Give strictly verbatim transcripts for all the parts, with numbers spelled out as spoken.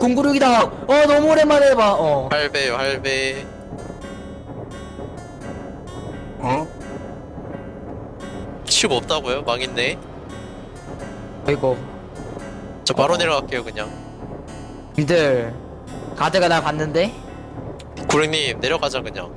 동구륙이다. 어 너무 오랜만에 봐. 어. 할배요 할배. 어? 치고 없다고요? 망했네. 아이고. 저 바로 어. 내려갈게요 그냥. 니들 가드가 날 봤는데. 구령님 내려가자 그냥.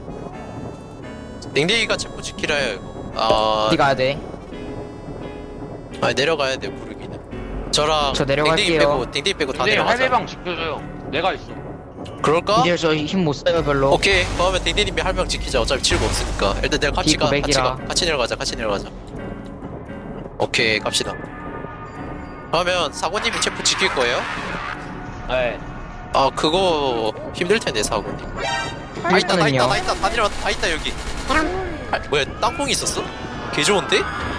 댕댕이가 체포 지키라 해요 이거. 아, 어디 가야 돼? 아 내려가야 돼요 구르기는. 저랑 저 내려갈게요. 댕댕이 빼고 댕댕이 빼고 다 근데 내려가자. 할배방 지켜줘요. 내가 있어. 그럴까? 니들 저 힘 못 써요 별로. 오케이 그러면 댕댕님이 할 명 지키자. 어차피 치고 없으니까. 일단 내가 같이 가 같이 비구백이라. 가 같이 내려가자 같이 내려가자. 오케이 갑시다. 그러면 사고님이 체포 지킬 거예요? 네. 아 그거 힘들 텐데 사고님. 다 있다 다 있다 다 있다 다 내려왔다 다 있다 여기. 아, 뭐야 땅콩이 있었어? 개 좋은데?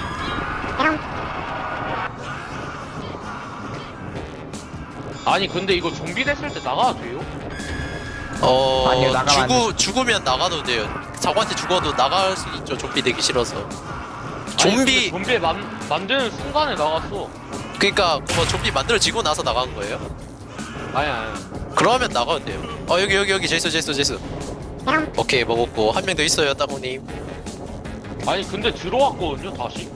아니 근데 이거 좀비 됐을 때 나가도 돼요? 어 아니요, 나가면 안 죽으 죽으면 나가도 돼요. 사고한테 죽어도 나갈 수 있죠. 좀비 되기 싫어서. 아니, 좀비 근데 좀비 만, 만드는 순간에 나갔어. 그러니까 뭐 좀비 만들어지고 나서 나간 거예요? 아니 아니. 그러면 나가도 돼요. 어 여기 여기 여기 제수 제수 제수. 오케이 먹었고 한 명 더 있어요 따구님. 아니 근데 들어왔거든요 다시.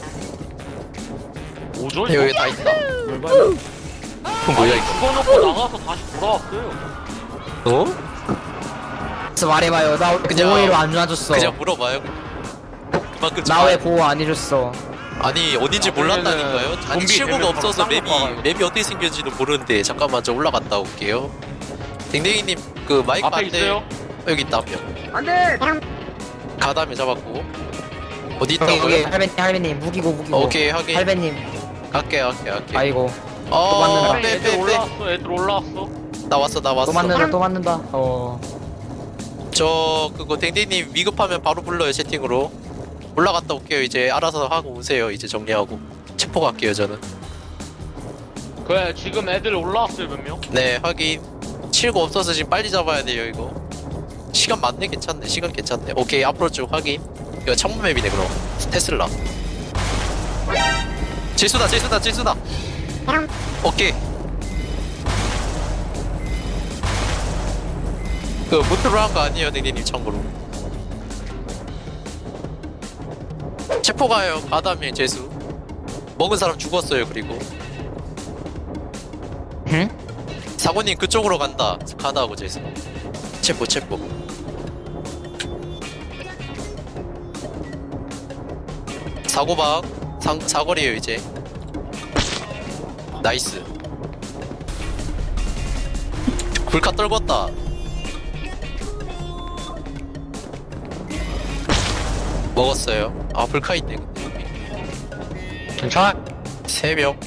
오죠? 여기 다 있다. 이거? 그럼 뭐야 아니, 이거? 죽어놓고 나가서 다시 돌아왔어요. 어? 그래서 말해봐요. 나 그냥- 보호해로 안 놔줬어. 그냥 물어봐요. 그만큼 나 왜 보호 안 해줬어? 아니 어딘지 아, 몰랐다니까요? 그러면은 아니 좀비 칠구가 되면 없어서 바로 맵이 딴거 봐요. 맵이 어떻게 생겼지도 모르는데 잠깐만 저 올라갔다 올게요. 댕댕이님 그 마이크 앞에 반대 있어요? 어, 여기 있다 한 명. 안돼. 가다음에 잡았고 어디 여기 여기 있다고요? 할배님 할배님 무기고 무기고. 오케이 확인. 할배님. 갈게 갈게 갈게. 아이고 어 맞는다. 애들 빼빼빼 올라왔어. 애들 올라왔어. 나 왔어 나 또 왔어. 맞는다 또 맞는다. 어. 저 그거 댕댕님 위급하면 바로 불러요 채팅으로. 올라갔다 올게요. 이제 알아서 하고 오세요. 이제 정리하고 체포 갈게요 저는. 그래 지금 애들 올라왔어요 몇 명? 네 확인. 칠구 없어서 지금 빨리 잡아야 돼요 이거. 시간 많네. 괜찮네 시간 괜찮네. 오케이 앞으로 쭉 확인. 이거 창문 맵이네 그럼. 테슬라 질수다 질수다 질수다. 오케이. 그 무트로 한 거 아니에요 댕댕님 참고로. 체포 가요. 가다면 재수 먹은 사람 죽었어요. 그리고 응? 사고님 그쪽으로 간다. 가다하고 재수 체포 체포. 사고방 상, 사거리에요 이제. 나이스. 불카 떨궜다. 먹었어요. 아 불카 있네 근데. 괜찮아. 세 명.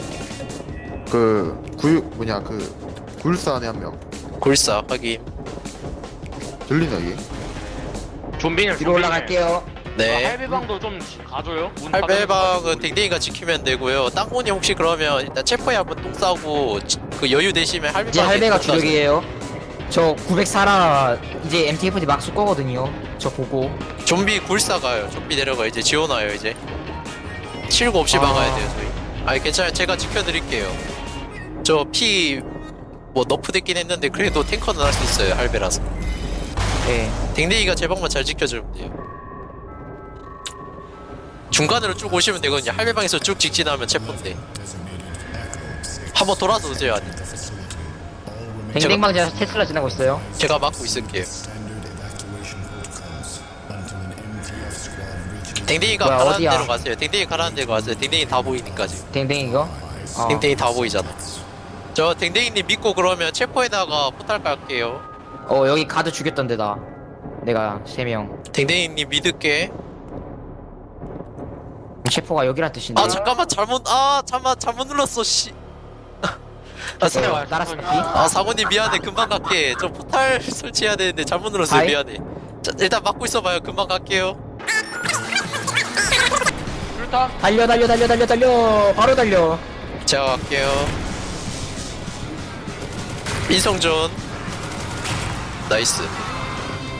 그 구육 뭐냐 그 굴사 안에 한 명 골사 확인. 들리나 이게? 좀비는 뒤로 올라갈게요. 네. 할배방도 좀 가줘요. 문 할배방은 닫아놓고. 댕댕이가 지키면 되고요. 땅콩이 혹시 그러면 일단 체포에 한번 똥 싸고 지- 그 여유 되시면 할배방 이제 할배가 주력이에요. 저 구백사라 이제 엠티에프디 막 쓸 거거든요. 저 보고. 좀비 굴사 가요. 좀비 내려가 이제 지원와요 이제. 칠구 없이 아. 막아야 돼요 저희. 아니 괜찮아요. 제가 지켜드릴게요. 저 피 뭐 너프 됐긴 했는데 그래도 탱커는 할 수 있어요. 할배라서. 예. 댕댕이가 제 방만 잘 지켜주면 돼요. 중간으로 쭉 오시면 되거든요. 할배방에서 쭉 직진하면 체포인데. 한번 돌아서 오세요. 아니 댕댕방지에서 테슬라 지나고 있어요. 제가 막고 있을게요. 댕댕이가 뭐야, 가라는 어디야? 데로 가세요. 댕댕이 가라는 데로 가세요. 댕댕이 다 보이니까 지금. 댕댕 이거. 어. 댕댕이 다 보이잖아. 저 댕댕이님 믿고 그러면 체포에다가 포탈 깔게요. 어 여기 가드 죽였던 데다. 내가 세 명. 댕댕이님 믿을게. 체포가 여기란 뜻인데. 아 잠깐만 잘못 아 잠만 잘못 눌렀어 씨. 아, 사, 와요. 따라서 피. 아 사고님 미안해. 금방 갈게. 저 포탈 설치해야 되는데 잘못 눌렀어요. 아이. 미안해. 자, 일단 막고 있어봐요. 금방 갈게요. 일단 달려 달려 달려 달려 달려. 바로 달려. 제가 갈게요. 인성존 나이스.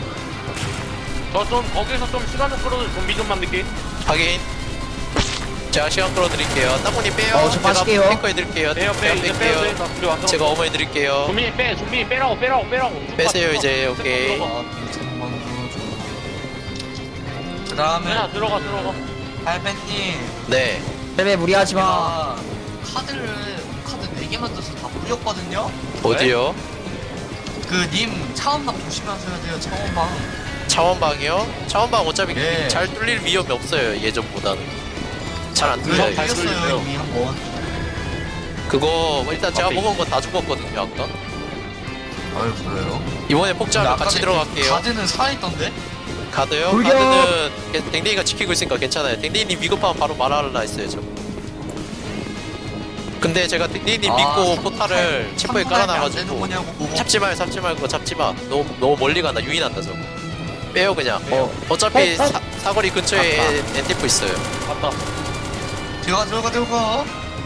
저 좀 거기서 좀 시간을 끌어서 좀비 좀 만들게. 확인. 제가 시간 끌어드릴게요. 땅콩님 빼요. 어, 저 빠질게요. 제가 탱커 해드릴게요. 빼요 빼 제가 이제 빼요 뺄게요. 빼. 나 그래 완전. 제가 어머 해드릴게요. 좀비 빼 좀비 빼라고 빼라고 빼라고. 빼세요, 들어가, 이제. 들어가, 오케이. 들어가. 그 다음에 야 들어가 들어가. 할배님 네. 벨베 무리하지 마. 제가 카드를 카드 네 개 만들어서 다 뿌렸거든요. 어디요? 그 님 차원방 조심하셔야 돼요. 차원방. 차원방이요? 차원방 어차피 네. 잘 뚫릴 위험이 없어요. 예전보다는. 잘 안 그거 뚫려요. 잘 뚫렸어요 뚫리세요. 이미 한 번. 그거 일단 제가 앞에 먹은 거 다 죽었거든요. 아까. 아유 그래요? 이번에 폭주하면 같이 들어갈게요. 카드는 살아있던데? 가드요? 돌격! 가드는 댕- 댕댕이가 지키고 있으니까 괜찮아요. 댕댕이님 위급하면 바로 말하라 했어요. 저. 근데 제가 댕댕이님 믿고 포탈을 체포에 깔아놔가지고 거냐고. 잡지 마요, 잡지 말고 잡지 마. 너무 너무 멀리 간다. 유인한다 저거. 빼요 그냥. 어. 어차피 어, 어. 사, 사거리 근처에 아까. 엔- 엔티프 있어요. 맞다. 들어가 들어가 들어가.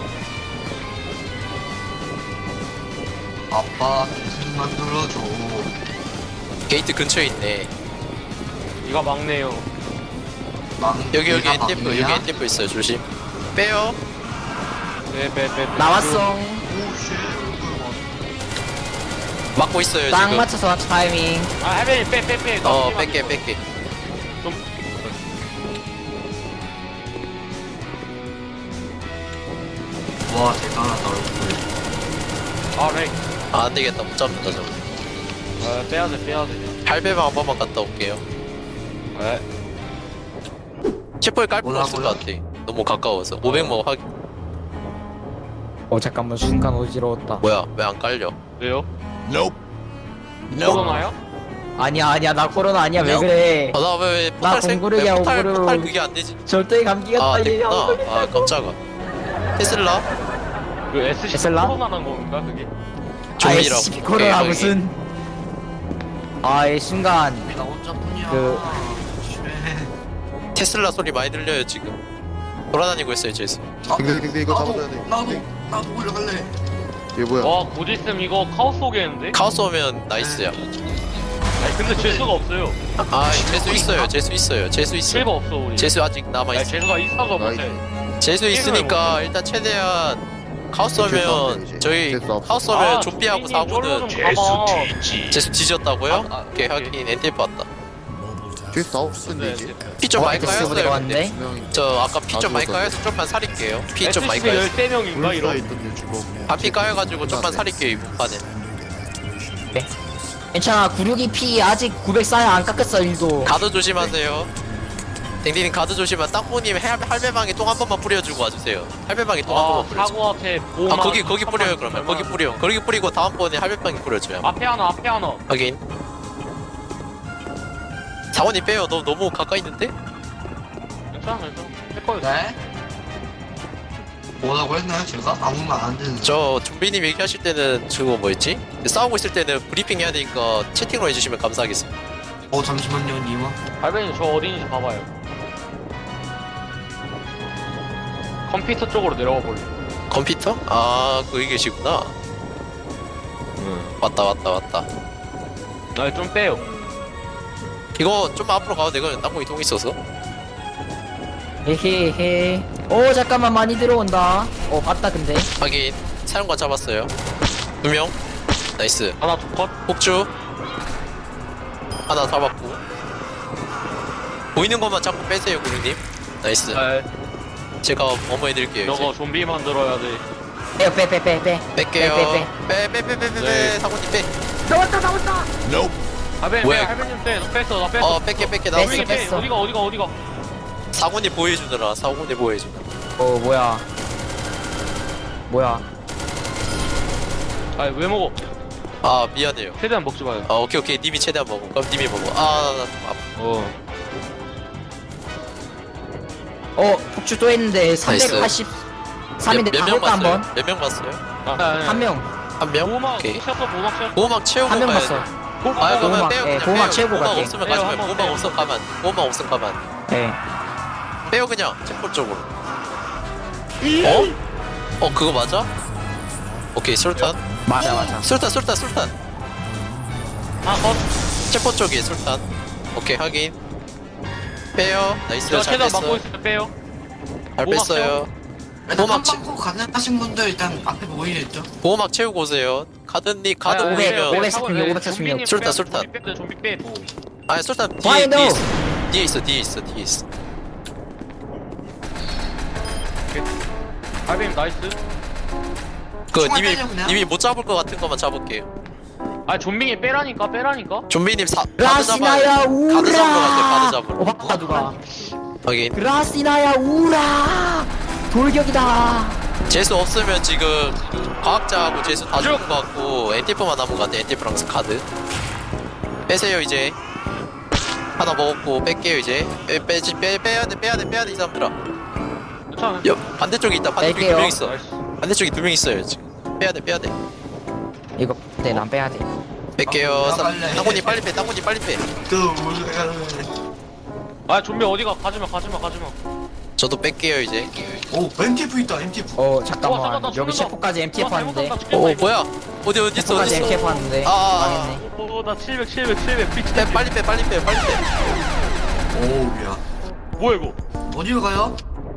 아빠 계속 만들어줘. 게이트 근처에 있네. 이가 막내요. 막 여기 여기 내가 엔티프 막내야? 여기 엔티프 있어요. 조심. 빼요. 빼빼 빼. 나왔어. 오쉣. 막고 있어요 딱 지금. 맞춰서 타이밍. 아 할배님 빼빼 빼. 어 뺄게 뺄게. 좀. 와 대단하다 얼굴. 아 렉. 아 안되겠다. 못 잡는다 저거. 아 빼야 돼 빼야 돼. 할배방 한 번만 갔다 올게요. 에. 체포에 깔 필요 없을 것 뭐라고요? 같아. 너무 가까워서. 오백 뭐 하기. 어 잠깐만 순간 어지러웠다. 뭐야 왜 안 깔려? 왜요? Nope. 코로나요? 아니야 아니야 나 코로나 아니야 왜 그래? 아나왜 나 포탈 생 공구르기야, 왜 포탈 공구르. 포탈 그게 안 되지? 절대 감기가 아 떨리냐? 됐구나. 아 깜짝아. 테슬라 그 에스씨 에슬라? 코로나는 건가 그게? 좀비라고. 아이씨 코로나 오케이, 무슨? 아이 순간 나 혼자뿐이야. 그- 쉣. 테슬라 소리 많이 들려요 지금. 돌아다니고 있어요 제수. 아, 근데 근데 이거 나도 잡아줘야 돼. 나도 나도 올라갈래. 이게 뭐야? 와 곧 있으면 이거 카오스 오겠는데? 카오스 오면 나이스야. 아니 근데 재수가 없어요. 아 제수 있어요. 제수 있어요. 제수 있어. 실버 없어 우리. 제수 아직 남아 아니 있어. 재수가 있어서 나이스. 못해. 제수 있으니까 일단 최대한 카오스 제수 오면 없네, 이제. 저희 제수 없어. 카오스 오면 아, 좀비하고 좀비님 사고는 쫄로 좀 가봐. 제수 뒤졌다고요? 아, 아, 오케이 오케이. 확인. 엔티프 왔다. 뒤에 싸울 텐데 이제. 피 좀 어, 많이 엑스 부대가 까였어요. 근데. 왔네. 분명히 저 아까 피 좀 아, 많이 죽었어. 까여서 좀만 살릴게요. 피 좀 많이 에스씨 까였어. 열세 명인가 불사 이런. 있던데 지금. 반피 까여가지고 좀만 살릴게요 이번 판에. 괜찮아 구육이 피 아직 구백사 안 깎았어 일도. 가드 조심하세요. 댕댕님 가드 조심하. 땅콩님 할배방에 똥 한 번만 뿌려주고 와주세요. 할배방에 똥 한 아 번만 뿌려줘. 사고 앞에 보호막. 아 거기 거기 뿌려요 그러면. 거기 뿌려. 거기 뿌리고 다음번에 할배방에 뿌려줘요. 앞에 하나 앞에 하나. 확인. 사원이 빼요. 너 너무 가까이 있는데? 괜찮아 괜찮아. 해커요. 네? 뭐라고 했나요 제가? 아무 말 안 듣는. 저 좀비님 얘기하실 때는 저거 뭐였지? 싸우고 있을 때는 브리핑 해야 되니까 채팅으로 해주시면 감사하겠습니다. 어 잠시만요 님아. 할배님 저 어디인지 봐봐요. 컴퓨터 쪽으로 내려가 볼래. 컴퓨터? 아 거기 계시구나. 왔다 왔다 왔다. 아좀 빼요. 이거 좀 앞으로 가도 되거든. 땅콩이 통 있어서. 헤헤헤. 오 잠깐만 많이 들어온다. 어 봤다 근데. 확인. 사용관 잡았어요. 두 명. 나이스. 하나 두 컷. 폭주. 하나 잡았고. 보이는 것만 자꾸 빼세요, 구루님. 나이스. 네. 제가 어머 해드릴게요. 저거 이제. 좀비 만들어야 돼. 빼요 빼빼 빼 빼. 뺄게요. 빼, 빼, 빼, 빼, 빼, 빼, 네. 빼. 사모님 빼. 나왔다 나왔다. 할배님 뭐야? 빼, 할배님 빼. 나 뺐어 나 뺐어. 어, 뺄게, 뺄게. 나 뺐어, 할배님 빼. 뺐어. 어디가 어디가 어디가. 사모님 보호해주느라. 사모님 보호해주느라. 어 뭐야. 뭐야. 아니 왜 먹어? 아, 미안해요. 최대한 먹지 마요. 아, 오케이, 오케이. 님이 최대한 먹어. 그럼 님이 먹어. 아, 나좀 아파. 어. 어 폭주 또 했는데 삼백팔십삼인데 다 몇명 볼까 봤어요? 한번? 몇 명 봤어요? 아, 아니, 한 명. 한 명? 보호막 오케이. 쳤어 보호막 쳤어. 보호막 채우고 한 명 가야 봤어. 돼. 아, 그러면 보호막, 빼요. 예, 그냥 보호막 빼요. 채우고 보호막 갈게. 없으면 빼요, 가지 말고. 한번 보호막 빼요. 없으면 가면. 안 돼. 보호막 없으면 가면. 안 돼. 네. 빼요, 그냥. 체포 쪽으로. 어? 어, 그거 맞아? 오케이, 술탄. 맞아 맞아. 술탄, 술탄, 술탄. 하나 컷. 체포 쪽에 술탄. 오케이, 확인. 빼요. 나이스. 저 잘 최대한 뺐어. 막고 있을 때 빼요. 잘 보호막 뺐어요. 일단 보호막 채, 한방코 가능하신 분들 일단 앞에 모이겠죠? 보호막 채우고 오세요. 카드니 카드 아니, 오백, 보이면 오백사십육, 오백사십육. 술탄, 술탄. 좀비 빼, 좀비 빼. 아니 술탄 뒤에 Why 뒤에 no? 있어. 뒤에 있어 뒤에 있어 뒤에 있어. 할배님 나이스. 그 총알 님이 빼려, 그냥? 님이 못 잡을 것 같은 것만 잡을게요. 아 좀비님 빼라니까 빼라니까. 좀비님 사 카드 잡아야 라시나야 카드 잡으러 갔대 카드 우라. 잡으러. 어 바꿨다 누가. 확인. 라시나야 우라. 돌격이다. 재수 없으면 지금 과학자하고 재수 다 죽은 것 같고 엔티프만 남은 것 같아. 엔티프랑 카드 빼세요 이제. 하나 먹었고 뺄게요 이제. 빼, 빼지 빼 빼야 돼 빼야 돼 빼야 돼 이 사람들아. 괜찮아. 옆 반대쪽에 있다. 반대쪽에 뺄게요. 두 명 있어. 나이스. 반대쪽에 두 명 있어요 지금. 빼야 돼 빼야 돼. 이거 네난 빼야 돼. 뺄게요. 아, 사- 빨리. 땅콩님 빨리 빼. 땅콩님 빨리 빼. 또 올라가는 아 좀비 어디가 가지마 가지마 가지마. 저도 뺄게요 이제. 오 엠티에프 있다 엠티에프 어 와, 잠깐만 잠깐, 나 여기 죽는다. 셰프까지 엠티에프 와, 하는데. 잘못한다, 오 죽겠다, 뭐야? 어디 어디 있어 셰프까지 어디 있어? 엠티에프 하는데. 아, 아, 아. 망했네. 이거. 오, 나 칠백 칠백 칠백 피치. 빼 빨리 빼 빨리 빼 빨리 빼. 오야 뭐야 이거? 어디로 가요?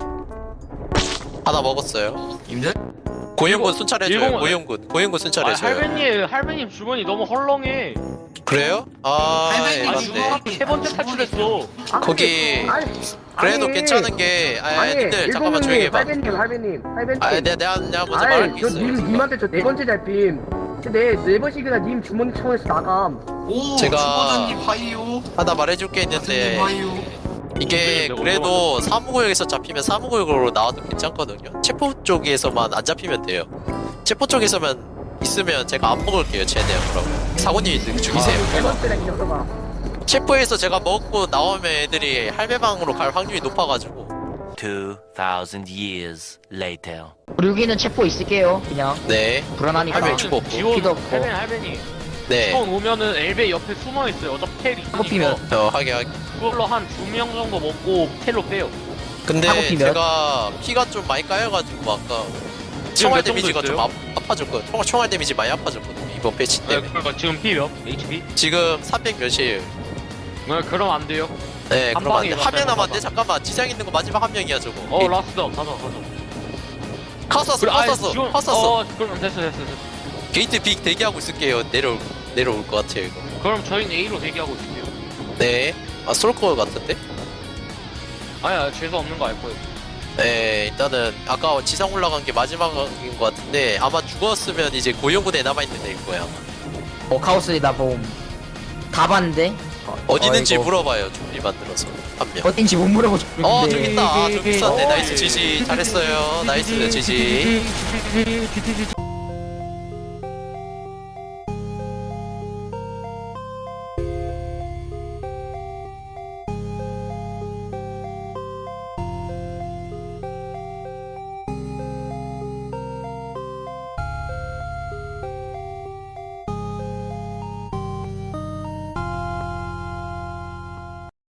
하나 먹었어요. 님들? 고영군 일본- 순찰해줘요. 일본은- 고영군 고영군 아 순찰해줘요. 할배님 할배님 주머니 너무 헐렁해. 그래요? 아 할머니 아니 맞네. 주머니- 세 번째 탈출했어. 거기 그래도 괜찮은 게 아니 님들 잠깐만 조용히 해봐. 할배님, 할배님, 할배님. 아 내가 내가 내가 먼저 말할 아이, 게 저 있어요. 님, 님한테 저 네 번째 잡힘. 내네 번씩이나 님 주머니 청에서 나감. 오 제가- 주보다님 하이요 하나 말해줄 게 있는데 가드님 하이요 이게 내가 그래도 사무구역에서 잡히면 사무구역으로 나와도 괜찮거든요. 체포 쪽에서만 안 잡히면 돼요. 체포 쪽에서만 있으면 제가 안 먹을게요. 최대한 그럼 사고님이 죽이세요. 네 번째랑 기억해봐. 체포해서 제가 먹고 나오면 애들이 할배방으로 갈 확률이 높아가지고. Two thousand years later. 여기는 체포 있을게요. 그냥 네. 불안하니까. 할배 주고 없고. 지원 피도 없고. 할배님 할배님. 네. 처음 오면은 엘베 옆에 숨어 있어요. 어차피 텔 있으니까. 피면. 어 하게 하게. 그걸로 한 두 명 정도 먹고 텔로 빼요. 근데 하고 피면? 제가 피가 좀 많이 까여가지고 아까 지금 총알 몇 정도 데미지가 좀 있어요? 아, 아파졌거든. 총알, 총알 데미지 많이 아파졌거든요. 이번 패치 네, 때문에. 그러니까 지금 피 몇? 에이치피? 지금 삼백 몇이에요. 네, 그럼 안 돼요. 네, 한 그럼 안 방에 돼. 맞아요, 한명 한 남았는데 방. 잠깐만. 지장 있는 거 마지막 한 명이야 저거. 어 라스트 가자 가자. 카웠어, 그래, 아니, 카웠어, 지원- 카웠어. 어 그럼 됐어 됐어 됐어. 게이트 빅 대기하고 있을게요. 내려올 내려올 것 같아요 이거. 그럼 저희는 A로 대기하고 있을게요. 네. 아 쏠거 같은데? 아니야 죄수 없는 거 알 거예요. 네, 일단은 아까 지상 올라간 게 마지막인 것 같은데 아마 죽었으면 이제 고용군에 남아 있는 애일 거야. 어 카오스이다 봄. 다 봤는데. 어디 있는지 어이구. 물어봐요. 준비 만들어서 한 명. 어딘지 못 물어보죠. 어 저기 있다. 아, 저기 있었네. 어, 나이스 예. 지지. 잘했어요. 나이스 지지.